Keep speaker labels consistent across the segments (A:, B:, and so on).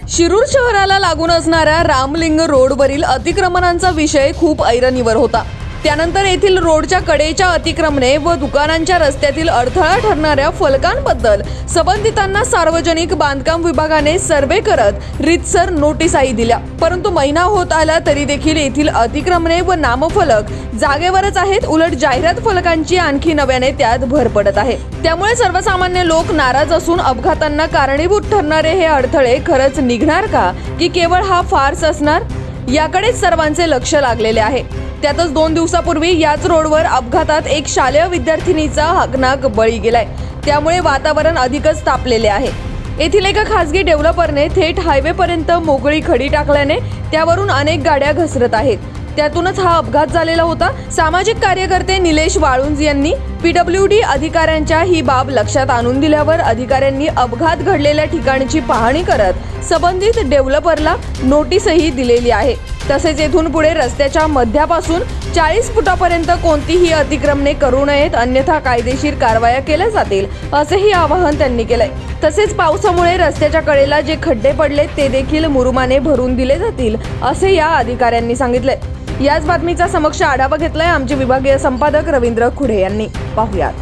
A: शिरूर शहराला लागून असणाऱ्या रामलिंग रोडवरील अतिक्रमणांचा विषय खूप ऐरणीवर होता। त्यानंतर येथील रोडच्या कडेच्या अतिक्रमणे व दुकानांच्या रस्त्यातील अडथळा ठरणाऱ्या फलकांबद्दल संबंधितांना सार्वजनिक बांधकाम विभागाने सर्वे करत रीतसर नोटीसाही दिल्या, परंतु महिना होत आला तरी देखील येथील अतिक्रमणे व नामफलक जागेवरच आहेत। उलट जाहिरात फलकांची आणखी नव्याने त्यात भर पडत आहे। त्यामुळे सर्वसामान्य लोक नाराज असून अपघातांना कारणीभूत ठरणारे हे अडथळे खरंच निघणार का की केवळ हा फार्स असणार, याकडेच सर्वांचे लक्ष लागलेले आहे। त्यातच 2 दिवसापूर्वी याच रोडवर अपघातात एक शालेय विद्यार्थिनीचा हकनाक बळी गेलाय। त्यामुळे वातावरण अधिकच तापलेले आहे। येथील एका खासगी डेव्हलपरने थेट हायवेपर्यंत मोकळी खडी टाकल्याने त्यावरून अनेक गाड्या घसरत आहेत। त्यातूनच हा अपघात झालेला होता। सामाजिक कार्यकर्ते निलेश वाळुंज यांनी PWD अधिकाऱ्यांच्या ही बाब लक्षात आणून दिल्यावर अधिकाऱ्यांनी अपघात घडलेल्या ठिकाणची पाहणी करत संबंधित डेव्हलपरला नोटीसही दिलेली आहे। तसेच येथून पुढे रस्त्याच्या मध्यापासून 40 फुटापर्यंत कोणतीही अतिक्रमणे करू नयेत, अन्यथा कायदेशीर कारवाया केल्या जातील असेही आवाहन त्यांनी केलंय। तसेच पावसामुळे रस्त्याच्या कडेला जे खड्डे पडलेत ते देखील मुरुमाने भरून दिले जातील असे या अधिकाऱ्यांनी सांगितले। याच बातमीचा समक्ष आढावा घेतलाय आमचे विभागीय संपादक रवींद्र खुडे यांनी। पाहुयात।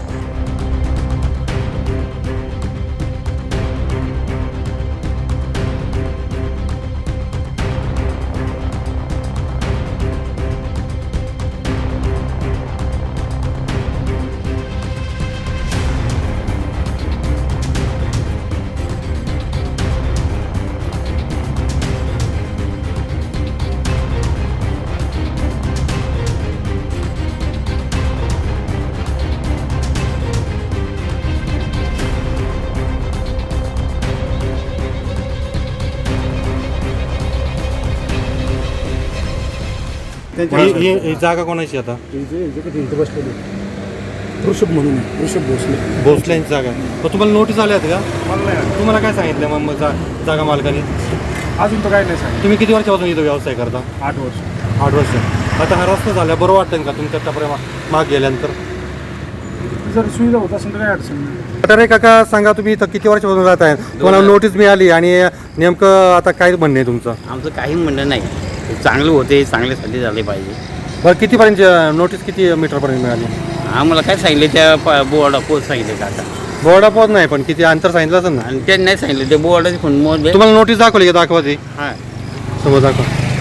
B: ही जागा कोणाची आता?
C: बसलेली ऋषभ म्हणून ऋषभ
B: भोसल्यांची जागा आहे। मग तुम्हाला नोटीस आल्या आहेत का? तुम्हाला काय सांगितलं मग जागा मालकाने?
C: अजून तर काय नाही सांग।
B: तुम्ही किती वर्षापासून इथं व्यवसाय करता?
C: 8 वर्ष।
B: 8 वर्ष। आता हा रस्ता झाला बरं वाटतं का तुमच्या त्यापर्यंत माग गेल्यानंतर?
C: जर सुविधा होत असेल तर काय अडचण नाही।
B: तर काका सांगा, तुम्ही इथं किती वर्षापासून राहत आहे? तुम्हाला नोटीस मिळाली आणि नेमकं आता काय म्हणणं आहे तुमचं?
D: आमचं काही म्हणणं नाही, चांगलं होते, चांगल्यासाठी झाले पाहिजे।
B: बरं, कितीपर्यंत नोटीस किती मीटरपर्यंत मिळाली?
D: आम्हाला काय सांगितले त्या बोर्डा पोच सांगितले काका।
B: बोर्डा पोहोच नाही, पण किती अंतर सांगितलं असेल ना?
D: आणि त्यांनी नाही सांगितलं, ते बोर्डाचे फोन मोजले।
B: तुम्हाला नोटीस दाखवली का? दाखवा ती
D: हां
B: समोर दाखवा।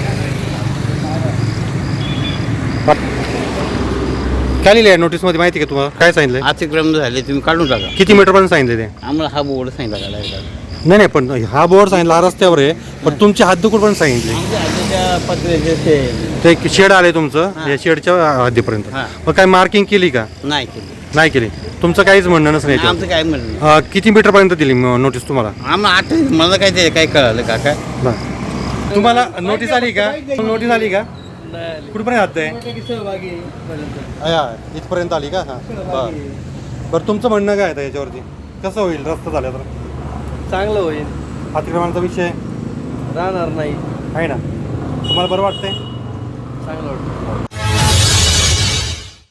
B: काय लिहिलं आहे नोटीसमध्ये माहिती का तुम्हाला? काय सांगितलं?
D: अतिक्रमण झाले, तुम्ही काढून टाका।
B: किती मीटरपर्यंत सांगितले ते?
D: आम्हाला हा बोर्ड सांगितला काढायला।
B: नाही नाही, पण हा बोर्ड सांगितला, हा रस्त्यावर आहे, पण तुमची हद्द कुठपर्यंत सांगितली?
D: आमच्या आजच्या पत्र्याचे
B: ते एक शेड आले तुमचं, या शेडच्या हद्दीपर्यंत।
D: हां.
B: मग काय मार्किंग केली का?
D: नाही केली।
B: नाही केली। तुमचं काहीच म्हणणं नसलं
D: आमचं काय म्हणणं नाही।
B: याच्यावर? किती मीटरपर्यंत दिली नोटीस तुम्हाला?
D: आम्हाला आठ मला काय ते काय कळालं काका?
B: बरं. तुम्हाला नोटीस आली का? नोटीस आली का? कुठपर्यंत हद्द आहे? इथपर्यंत आली का? हां बरं बरं, तुमचं म्हणणं काय आहे याच्यावरती? कसं होईल रस्ता झाला तर?
E: चांगलं होईल,
B: अतिक्रमणाचा विषय
E: राहणार नाही,
B: आहे ना? तुम्हाला बरं वाटतंय?
E: चांगलं वाटतं।